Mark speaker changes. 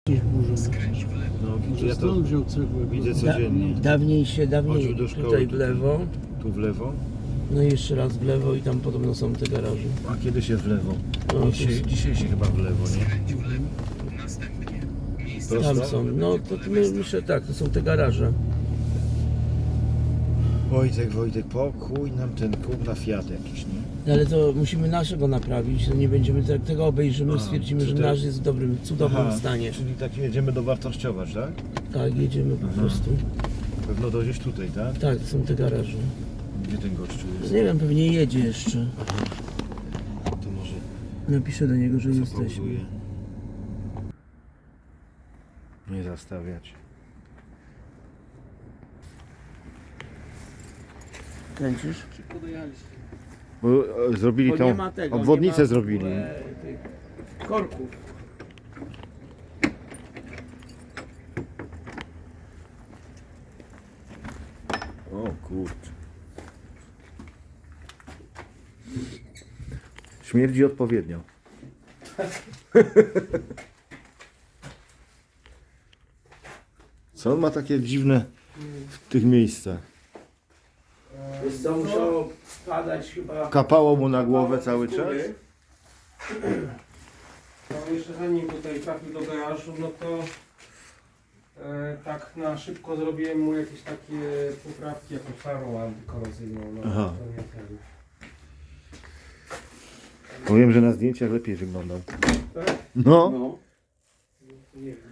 Speaker 1: Jakieś burze.
Speaker 2: No, widzę,
Speaker 1: Ja
Speaker 2: ja to
Speaker 1: stąd wziął cegłę.
Speaker 2: widzę codziennie.
Speaker 3: Dawniej
Speaker 2: Chodził do szkoły
Speaker 3: tutaj w lewo,
Speaker 2: Tu w lewo,
Speaker 3: no i jeszcze raz w lewo i tam podobno są te garaże.
Speaker 2: a kiedy się w lewo?
Speaker 3: No,
Speaker 2: Dzisiaj się chyba w lewo, nie?
Speaker 3: Tam
Speaker 2: Prosto?
Speaker 3: są, no to myślę tak, to są te garaże.
Speaker 2: Wojtek, pokój nam ten na Fiat jakiś, nie?
Speaker 3: Ale to musimy naszego naprawić, to nie będziemy tego obejrzymy, stwierdzimy, że
Speaker 2: czy te-
Speaker 3: nasz jest w dobrym, cudownym stanie.
Speaker 2: Czyli tak jedziemy dowartościować, tak?
Speaker 3: Tak, jedziemy po prostu.
Speaker 2: Pewno dojdziesz tutaj, tak?
Speaker 3: Tak, to są te garaże.
Speaker 2: Gdzie ten gościu jest?
Speaker 3: Nie wiem, pewnie jedzie jeszcze.
Speaker 2: To może
Speaker 3: Napiszę do niego, że jesteśmy.
Speaker 2: zapauzuje. Nie zastawiać.
Speaker 3: Kręcisz?
Speaker 1: Szybko dojechaliście.
Speaker 2: Bo zrobili
Speaker 3: Bo
Speaker 2: tą
Speaker 3: nie ma tego,
Speaker 2: obwodnicę
Speaker 3: nie ma
Speaker 2: zrobili.
Speaker 3: tych korków.
Speaker 2: O kurczę. Śmierdzi odpowiednio. Co on ma takie dziwne w tych miejscach?
Speaker 3: Wiesz co, musiało padać chyba...
Speaker 2: Kapało mu na głowę cały czas?
Speaker 1: No jeszcze zanim tutaj trafił do garażu, no to tak na szybko zrobiłem mu jakieś takie poprawki, jakąś farą antykorozyjną. No,
Speaker 2: Aha.
Speaker 1: to nie ten.
Speaker 2: Powiem, że na zdjęciach lepiej wyglądał.
Speaker 1: Tak?
Speaker 2: No.
Speaker 3: No.
Speaker 1: Nie wiem.